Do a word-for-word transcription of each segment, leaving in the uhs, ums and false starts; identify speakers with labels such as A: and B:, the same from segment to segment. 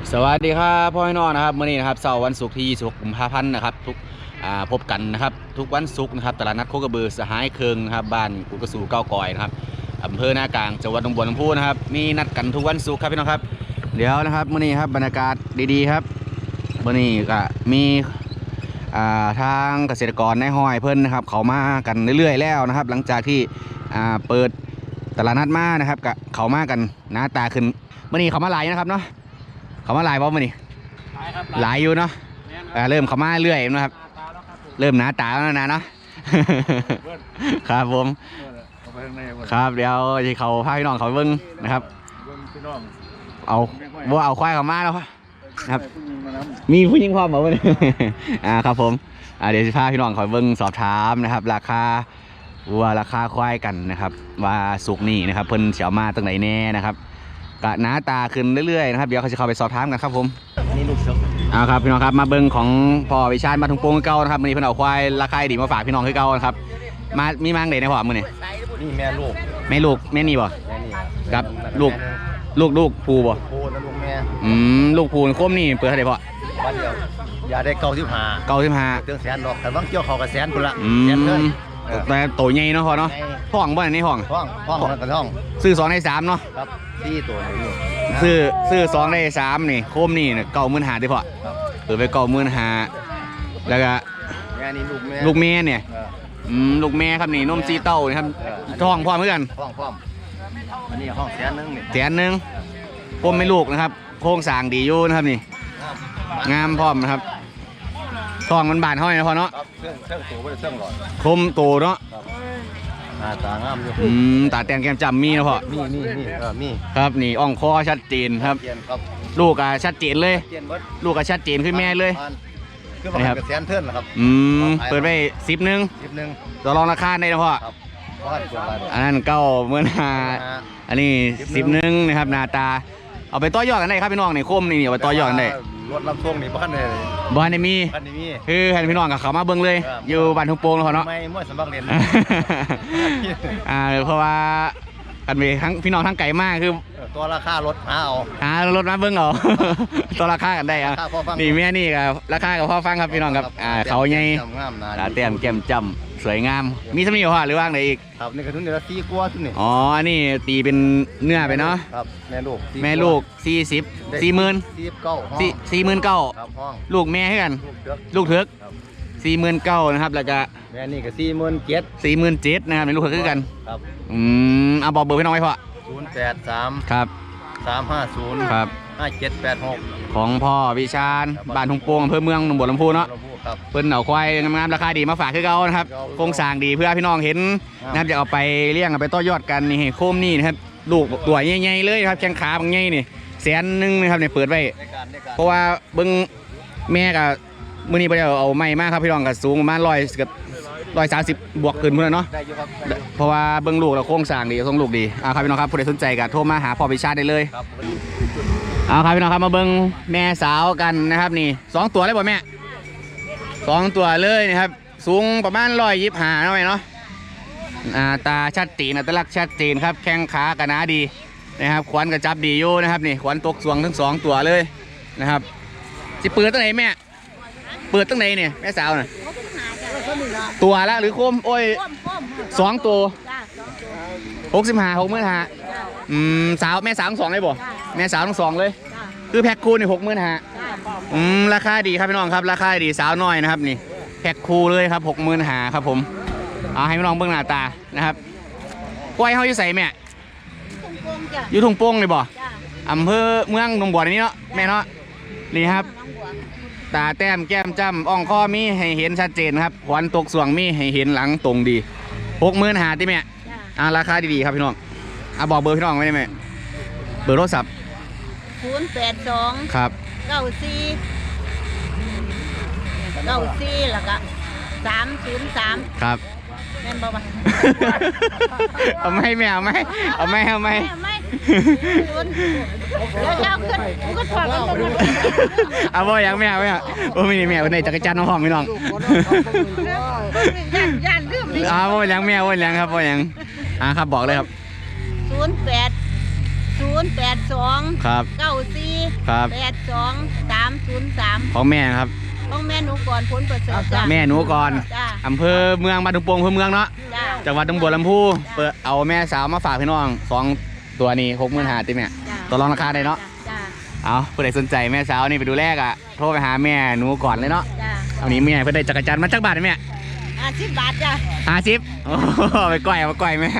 A: สวัสดีครับพ่อพี่น้องนะครับเมื่อนี้นะครับเสาร์วันศุกร์ที่ยี่สิบหกกุมภาพันธ์นะครับทุกพบกันนะครับทุกวันศุกร์นะครับตลาดนัดโคกระบือสหายเคืองนะครับบ้านกุกระสูเก้ากอยนะครับอำเภอหน้ากลางจังหวัดหนองบัวลำพูนะครับมีนัดกันทุกวันศุกร์ครับพี่น้องครับเดี๋ยวนะครับเมื่อนี้ครับบรรยากาศดีๆครับเมื่อนี้ก็มีทางเกษตรกรในห้อยเพิ่นนะครับเขามากันเรื่อยๆแล้วนะครับหลังจากที่เปิดตลาดนัดมานะครับก็เขามากันหน้าตาขึ้นเมื่อนี้เขามาหลายนะครับเนาะเขามาหลายเพราะมันนี่หลายอยู่เนาะเริ่มเขามาเรื่อยนะครับเริ่มหนาตาแล้วนะเนาะครับผมครับเดี๋ยวที่เขาพาพี่น้องเขาเบิ้งนะครับเอาว่าเอาควายเขามาแล้วครับมีผู้หญิงพร้อมเหรอวันนี้อ่าครับผมเดี๋ยวจะพาพี่น้องเขาเบิ้งสอบถามนะครับราคาวัวราคาควายกันนะครับว่าสุกนี่นะครับเพิ่นเสียวมาตั้งไหนแน่นะครับกะหน้าตาขึ้นเรื่อยๆนะครับเดี๋ยวเขาจะเข้าไปสอบถามกันครับผมนี่ลูกซุกเอาครับพี่น้องครับมาเบิ้งของพ่อวิชาญมาถุงโป่งเก่านะครับวันนี้เพิ่นเอาควายราคาดีมาฝากพี่น้องคือเก่านะครับมามีมังเด็ดในพ่อมือนี่
B: นี่แม่ลูก
A: แม่ลูกแม่นี่บ่
B: แม่นี่
A: กับลูกลูกลูกภูบ่
B: ภูแล้วลูกแม่
A: อืมลูกภูโคมนี่เปิดเท่าไหร่พ่อ
B: วันเดียวอย่าได้เก้าสิบห้า
A: เก้าสิบห้า
B: เตือนแสนดอกแต่บางเกี่ยวเขากับแสนพุ่นละ
A: แสนเงินแต่โตใหญ่เนาะพ่อเนาะห้องบ่ในห้อง
B: ห้องห้องกับห้อง
A: ซื้อสองในสามเนาะ
B: ครับสี่ตัวนี่
A: ซื้อซื้อสองในสามนี่โคมนี่เก้าหมื่นห้าดิพ่อเปิดไปเก้าหมื่นห้าแล้วก็
B: แม่นี่ลูกแม่
A: ลูกแม่เนี่ยอืมลูกแม่ครับนี่นมซีเต้านะครับท้องพร้อมเหมือนกัน
B: ท้องพร้อมอันนี้ห้องแสนนึงนี่
A: แสนนึงโคมไม่ลูกนะครับโครงสร้างดีอยู่นะครับนี่งามพร้อมนะครับท้องมันบานเท่าไหร่นะพ่อเนาะ
B: เครื่องเครื่องโตไม่ได้เครื่องหลอด
A: คมโตเนาะ
B: ตางามอยู่
A: อืมตาแตงแก้มจำมีนะพ่อ
B: มีมีมีเออมี
A: ครับนี่อ่องคอชัดเจนครับลูกอะชัดเจนเลยลูกอะชัดเจนขึ้นแม่เลย
B: นะครับแสนเทิร์นนะครับ
A: อืมเปิดไปสิบหนึ่ง
B: สิบหนึ่ง
A: ต่อรองราคาได้นะพ่ออันนั้นเก้าเมื่อนาอันนี้สิบหนึ่งนะครับนาตาเอาไปต่อยอดกันได้ครับพี่น้องในโคมนี่เอาไปต่อยอดกันได้
B: รถรับส่งนี่บ้านเลย
A: บ้านในมีคือให้พี่น้องกับเขามาเบิ้งเลยอยู่บ้านทุ่งโป่งเขาเนาะ
B: ไม่มั่วสมบัติเรียน
A: อ่าเพราะว่ากันไปทั้งพี่น้องทั้งไก่มากคือ
B: ตัวราคารถหาเอา
A: หารถมาเบิ้งเอาตัวราคากันได้อ่ะนี่แม่นี่กับราคากับพ่อฟังครับพี่น้องครับอ่าเขาใหญ่ตาเต็มแก้มจำสวยงามมีสมีเหรอหรือว่าอะไรอีก
B: ครับนี่กระทุนเดือนสี่กว่าทุนนี่
A: อ๋ออันนี้ตีเป็นเนื้อไปเนาะ
B: ครับแม่ลูก
A: แม่ลูกสี่สิบสี่หมื่น
B: สี่สิบเก้า
A: สี่สี่หมื่นเก้าลูกแม่ให้กันลูกเถือกสี่หมื่นเก้านะครับแล้วก็
B: แม่นี่ก็สี่หมื่นเจ็ด
A: สี่หมื่นเจ็ดนะครับในลูกเถือกคือกันครับอืมเอาบอกเบอร์พี่น้องไว้พ่อ
B: ศูนย์แปดสาม
A: ครับ
B: สามห้าศูนย์
A: ครับ
B: ห้าเจ็ดแปดหก
A: ของพ่อวิชาญบ้านทุ่งโป่งอำเภอเมืองหนองบัวลำพูเนาะเพิ่นเอาควายงามๆราคาดีมาฝากคือเก่านะครับโครงสร้างดีเพื่อพี่น้องเห็นนะครับจะเอาไปเลี้ยงเอาไปต่อยอดกันนี่โคมนี่นะครับลูกตัวใหญ่ๆเลยครับแข้งขาบางใหญ่นี่แสนนึงนะครับเนี่ยเปิดไว้เพราะว่าเบิ้งแม่กับมื้อนี้ไปเอาไม้มากครับพี่น้องกับสูงประมาณร้อยกับร้อยสามสิบบวกขึ้นเพื่อนเนาะเพราะว่าเบิ้งลูกเราโครงสร้างดีทรงลูกดีเอาครับพี่น้องครับผู้ใดสนใจก็โทรมาหาพ่อวิชาญได้เลยเอาครับพี่น้องครับมาเบิ้งแม่สาวกันนะครับนี่สองตัวเลยบ่แม่สองตัวเลยนะครับสูงประมาณร้อยยี่สิบห้าเนาะเนาะตาชัดเจนอัตลักษณ์ชัดเจนครับแข้งขากระนาดีนะครับขวัญกระจับดีอยู่นะครับนี่ขวัญตกสวงทั้งสองตัวเลยนะครับจะเปิดตั้งไหนแม่เปิดตั้งไหนเนี่ยแม่สาวน่ะตัวละหรือโคมโอ้ยสองตัวหกสิบห้าหกหมื่นห้าอืมสาวแม่สาวทั้งสองเลยบ่แม่สาวทั้งสองเลยคือแพ็คคู่นี่หกหมื่นห้าอืมราคาดีครับพี่น้องครับราคาดีสาวน้อยนะครับนี่แพ็คคู่เลยครับหกหมื่นห้าครับผมเอาให้พี่น้องเบิ่งหน้าตานะครับกล้วยเขาอยู่ใส่แม่อยู่ทุ่งโป่งเลยบ่อำเภอเมืองหนองบัวนี้เนาะแม่เนาะนี่ครับตาแต้มแก้มจ้ำอ่องข้อมีให้เห็นชัดเจนครับขวัญตกสวงมีให้เห็นหลังตรงดีหกหมื่นห้าที่แม่อ่าราคาดีๆครับพี่น้องอ่ะบอกเบอร์พี่น้องไว้ได้ไหมเบอร์โทรศัพท์
C: ศูนย์แปดสอง
A: ครับ
C: เก้าสี่เก้าสี่แล้วก็สามศูนย์สาม
A: ครับ
C: แม่นบอกว่า
A: เอาไม่แม่เอาไม่เอาไม่เอาไม่
C: แล้วเจ้าขึ้นก็ถอดกันตรงนั้น
A: เอาบ่ยังแม่เอาไม่เอาโอ้ไม่นี่แม่ในจักรจันทร์น้องหอมพี่น้อง
C: ย่านย่านลืม
A: ดิเอาบ่ยังแม่บ่ยังครับบ่ยังอ่าครับบอกเลยครับ
C: ศูนย์แปดศูนย์แปดสอง
A: ครับ
C: เก้าสี่
A: ครับ
C: แปดสองสามศูนย์สาม
A: ของแม่ครับ
C: ต้องแม่หนูก่อนพ้นประเสริฐจ้า
A: แม่หนูก่อน
C: จ้า
A: อำเภอเมืองบ้านทุ่งโป่งอำเภอเมืองเนาะ
C: จ้า
A: จังหวัดหนองบัวลำพูเปิดเอาแม่สาวมาฝากพี่น้องสองตัวนี้หกหมื่นห้าติแม่
C: จ้า
A: ต่อรองราคาได้เนาะ
C: จ้า
A: เอาผู้ใดสนใจแม่สาวนี่ไปดูแรกอะโทรไปหาแม่หนูก่อนเลยเนาะ
C: จ้า
A: เอานี้แม่เพื่อได้จักรจันทร์มาจักบาทไหมแม่
C: อ่ะสิบบาทจ้า
A: ห้าสิบโอ้โหไปก้อยเอาไปก้อยแม่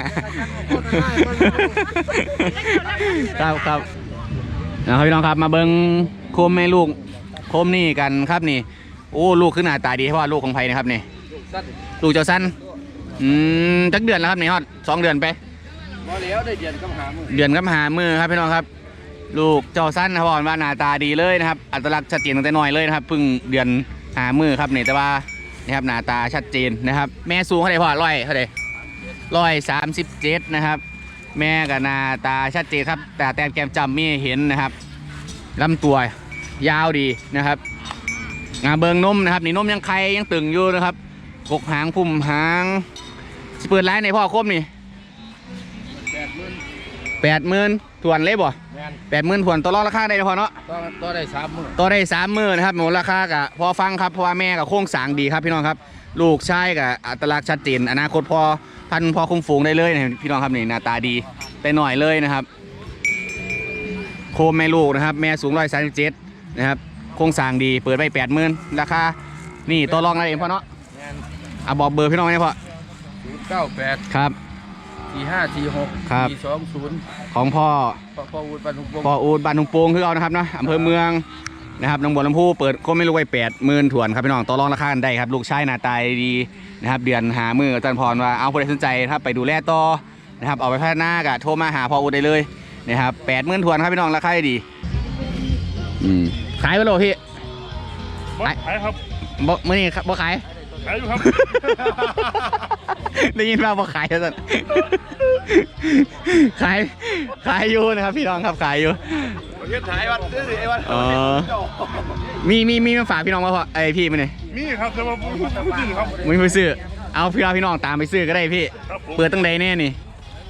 A: ครับครับนะครับพี่น้องครับมาเบิ้งโคมแม่ลูกโคมนี่กันครับนี่โอ้ลูกขึ้นหน้าตาดีเพราะว่าลูกของไผ่นะครับนี่ลูกเจ้าสั้นอืมจักเดือนแล้วครับนี่ฮอดสองเดือนไป
B: บ่แล้วได้เดือนกับหามือ
A: เดือนกับหามือครับพี่น้องครับ ลูกเจ้าสั้นนะครับว่าหน้าตาดีเลยนะครับอัตลักษณ์ชัดเจนตั้งแต่น้อยเลยนะครับเพิ่งเดือนหามือครับนี่แต่ว่านี่ครับหน้าตาชัดเจนนะครับ แม่สูงเท่าไหร่พ่อร้อยเท่าไหร่ร้อยสามสิบเจ็ดนะครับ แม่กับหน้าตาชัดเจนครับ แต่แต้มแก้มจำมีเห็นนะครับลำตัวยาวดีนะครับงาเบิงนมนะครับนี่นมยังไข่ยังตึงอยู่นะครับกกหางพุ่มหางสิเปิดร้านในพ่อคมนี่
B: แปดหมื่น
A: แปดหมื่นถวนเลยบ่
B: แมน
A: แปดหมื่นถวนต่อรองราคาได้พอเนาะ
B: ต้องต้องได้สามมือ
A: ต่อได้สามหมื่นนะครับหมูราคากะพอฟังครับเพราะว่าแม่กับโค้งสร้างดีครับพี่น้องครับ ลูกชายกับอัตลักษณ์ชัดเจนอนาคตพอพันพอคุ้มฝูงได้เลยนะพี่น้องครับนี่หน้าตาดีแต่หน่อยเลยนะครับ โคมแม่ลูกนะครับ แม่สูงร้อยสามสิบเจ็ดนะครับโค้งสร้างดีเปิดไปแปดหมื่นราคานี่ต่อรองอะไรเองพ่อเนาะ
B: แมน
A: อ่ะบอกเบอร์พี่น้องได้พ่อ
B: ศูนย์เก้าแปด
A: ครับ
B: สี่ห้าสี่หก
A: ครับ
B: สี่สองศูนย์
A: ของพ่อ
B: พ่อพ่อวุฒิปันทุกวง
A: พ่ออูดบ้านทุ่งโป่งคือเอานะครับเนาะอำเภอเมืองนะครับหนองบัวลำพูเปิดก็ไม่รู้ไว้แปดหมื่นถวนครับพี่น้องต่อรองราคากันได้ครับลูกชายหน้าตาดีนะครับเดือนหามืออาจารย์พรว่าเอาผู้ใดสนใจครับไปดูแลต่อนะครับเอาไปพัฒนากะโทรมาหาพ่ออูดได้เลยนะครับแปดหมื่นถวนครับพี่น้องราคาดีอืมขายไปโลพี่
D: บ่ขายครับ
A: บ่มื่อนี้ครับบ่ขาย
D: ขายอยู่ครับ
A: ได้ยินว่าบ่ขายแล้วสันขายขายอยู่นะครับพี่น้องครับขายอยู่
B: เฮ็ดขายวันซื้อไอ้วัน
A: อ๋อ มีมีมีมาฝากพี่น้องมาพอไอยพี่มาเนี่ย
D: มีครับแต่ว่าผู้ซื้อครับ
A: มึงไปซื้อเอาพี่เราพี่น้องตามไปซื้อก็ได้พี่
D: ครับผม
A: เปิดตั้งใดแน่นี่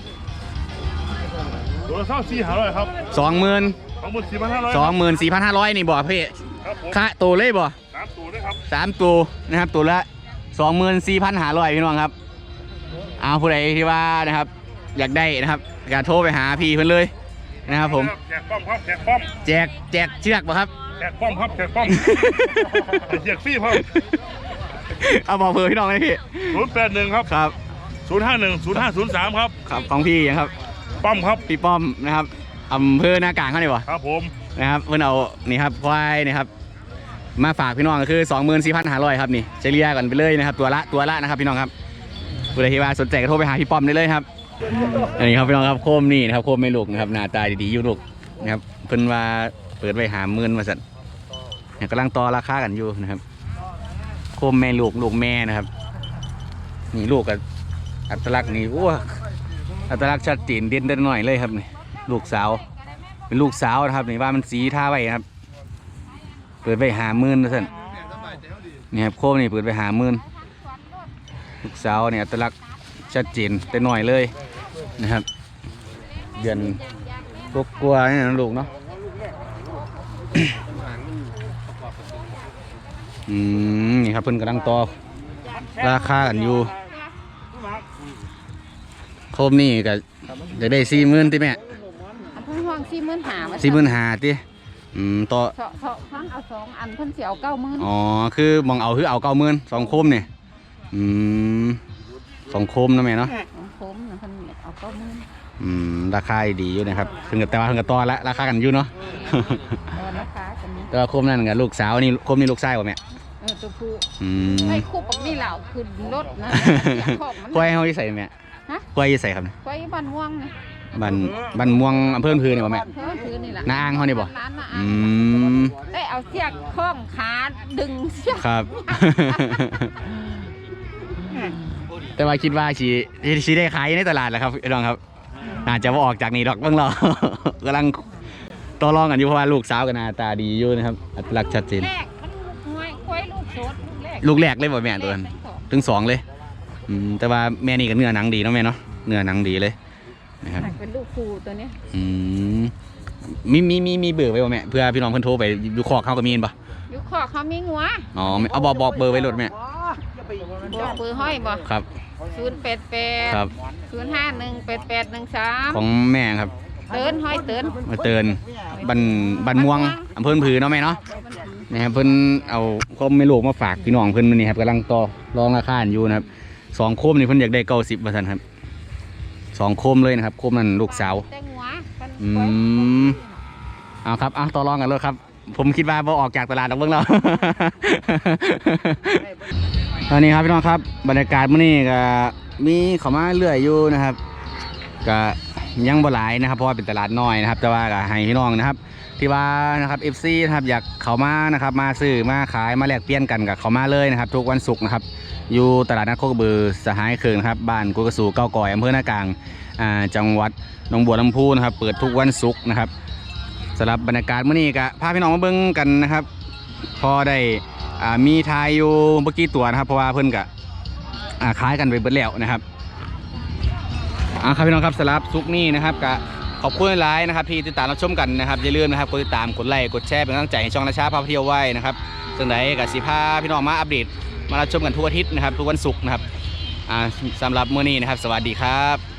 D: ตัวละเท่าสี่หาร้อยครับ
A: สองหมื่น
D: สองหมื่นสี่พันห้าร้อย
A: สองหมื่นสี่พันห้าร้อยนี่บ่พี่
D: ครับผม
A: ค่าตัวเลยบ่
D: สามตัวด้วยครับ
A: สามตัวนะครับตัวละสองหมื่นสี่พันห้าร้อยพี่น้องครับเอาผู้ใดที่ว่านะครับ อยากได้นะครับอยากโทรไปหาพี่เพิ่นเลยนะครับผม
D: แจกป้อมครับแจกป้อม
A: แจกแจกเชือกป่ะครับ
D: แจกป้อมครับแจกป้อมแจกฟรีครับ
A: เอาบอกเบอร์พี่น้องเลยพี่
D: ศูนย์แปดหนึ่งครับ
A: ครับ
D: ศูนย์ห้าหนึ่งศูนย์ห้าศูนย์สามครับ
A: ครับของพี่ยังครับ
D: ป้อมครับ
A: พี่ป้อมนะครับอำเภอหน้ากลางเขาเนี่ยวะ
D: ครับผม
A: นะครับเพื่อนเอานี่ครับควายนี่ครับมาฝากพี่น้องก็คือ สองหมื่นสี่พันห้าร้อย ครับนี่เฉลี่ยกันไปเลยนะครับตัวละตัวละนะครับพี่น้องครับผู้ใดที่ว่าสนใจก็โทรไปหาพี่ป้อมได้เลยครับอันนี้ครับพี่น้องครับโคมนี่นะครับโคมไม่ลูกนะครับหน้าตาดีๆอยู่ลูกนะครับเพิ่นว่าเปิดไว้หาหมื่นมาสั่นเนี่ยกำลังต่อราคากันอยู่นะครับโคมแม่ลูกลูกแม่นะครับนี่ลูกกับอัตลักษณ์นี่โอ้อัตลักษณ์ชัดเจนเด่นเด่นหน่อยเลยครับนี่ลูกสาวเป็นลูกสาวนะครับนี่ว่ามันสีท่าไว้นะครับเปิดไปหาหมื่นนะท่านนี่ครับโคมนี่เปิดไปหาหมื่นลูกสาวเนี่ยอัตลักษณ์ชัดเจนแต่หน่อยเลยนะครับเดือนกกลัวนี่นะลูกเนาะ อืมนี่ครับเพิ่นกำลังต่อราคากันอยู่โคมนี่ก็จะได้สี่หมื่นติแม่
C: อันเพิ่นห้องสี่หมื่นห้า
A: สี่หมื่นหาติอืมต่อ
C: เถาะเถาะทั้งเอาสองอันเพิ่นสิเอาเก้าหมื่น
A: อ๋อคือมองเอาคือเอาเก้าหมื่นสองโคมเนี่ยอืมสองโคมนะแม่เนาะ
C: ของผมน่ะเพิ่นเอาเก้าหมื่น
A: อืมราคาดีอยู่นะครับถึงกับแต่ว่าถึงกับต่อละราคากันอยู่เนาะ
C: ตอนราคากันนี้
A: แต่ว่าโคมนั่นกับลูกสาวนี่โคมนี่ลูกชายป่ะแม่
C: เออตัวผู้
A: อืม
C: ไอ้คู่ปักนี่เหล่าขึ้นรถนะขอบมัน
A: ควายเขาที่ใส่แม่
C: ฮะ
A: ควายที่ใส่ครับเนี่ย
C: ไว้บ้านม่วงนะ
A: บันบันม่วงอำเภอพื้นนี่ป่ะแม่
C: เพิ่นถือนี่ล่ะ
A: น้าอ้างเขานี่บ่
C: ร้านน้า
A: อื
C: อ้าง
A: ม
C: ได้เอาเสียกคล้องขาดึงเสียก
A: ครับ แต่ว่าคิดว่าชีชีได้ขายในตลาดแหละครับพี่น้องครับน่าจะว่าออกจากนี่ดอกเบ้างเรา กำลังต่อรองกันอยู่เพราะว่าลูกสาวกันหน้าตาดีอยู่นะครับอัตลักษณ์ชัดเจน
C: แรกมันง่อยควายลูกโสดลูกแรก
A: ลูกแรกเลยบ่แม่ตัวนั้นถึงสองเลยอืมแต่ว่าแม่นี่ก็เนื้อหนังดีเนาะแม่เนาะเนื้อหนังดีเลยนะครับ
C: เป็นลูกครูตัวเนี้ย
A: อืมมีมีมีมีเบอร์ไว้บ่แม่เพื่อพี่น้องเพิ่นโทรไปดูคอกเขาก็มีนปะ
C: อยู่คอกเขามีงัว
A: อ๋อเอาบอกบอกเบอร์ไว้รถแม่
C: บอกปือห้อยบ่
A: ครับ
C: ศูนย์แปดแปด
A: ครับ
C: ศูนย์ห้าหนึ่งแปดแปดหนึ่งสาม
A: ของแม่ครับ
C: เตือนห้อยเตือน
A: มาเตือนบันบันม่วงอำเภอผือเนาะแม่เนาะนะครับเพิ่นเอาคมไม่ลูกมาฝากพี่น้องเพิ่นมื้อนี้ครับกำลังต่อรองราคาอยู่นะครับสองโคมนี่เพิ่นอยากได้เก้าสิบว่าซั่นครับสองโคมเลยนะครับโคมนั่นลูกสาว
C: แต่งัวมัน
A: อืมเอาครับเอาต่อรองกันเลยครับ ผมคิดว่าพอออกจากตลาดแล้วเบิ่งแล้ว ตอนนี้ครับพี่น้องครับบรรยากาศมื้อนี้ก็มีเข้ามาเรื่อยอยู่นะครับก็ยังบ่หลายนะครับเพราะว่าเป็นตลาดน้อยนะครับแต่ว่าก็ให้พี่น้องนะครับที่ว่านะครับ เอฟ ซี นะครับอยากเข้ามานะครับมาซื้อมาขายมาแลกเปลี่ยนกันกับเข้ามาเลยนะครับทุกวันศุกร์นะครับอยู่ตลาดนัดโคกระบือสหายเคืองนะครับบ้านกุกระสูเก้าก่อยอำเภอนากลางอ่าจังหวัดหนองบัวลำพูนะครับเปิดทุกวันศุกร์นะครับสำหรับบรรยากาศมื้อนี้ก็พาพี่น้องมาเบิ่งกันนะครับพอได้อ่ามีทายอยู่เมื่อกี้ตัวนะครับเพราะว่าเพิ่นก็อ่าขายกันไปเบิดแล้วนะครับอ่าครับพี่น้องครับสำหรับศุกร์นี้นะครับก็ขอบคุณหลายนะครับที่ติดตามรับชมกันนะครับอย่าลืมนะครับกดติดตามกดไลค์กดแชร์เป็นกำลังใจให้ช่องราชาพาเที่ยวไว้นะครับจังไดกับสิพาพี่น้องมาอัปเดตมารับชมกันทุกอาทิตย์นะครับทุกวันศุกร์นะครับอ่าสำหรับมื้อนี้นะครับสวัสดีครับ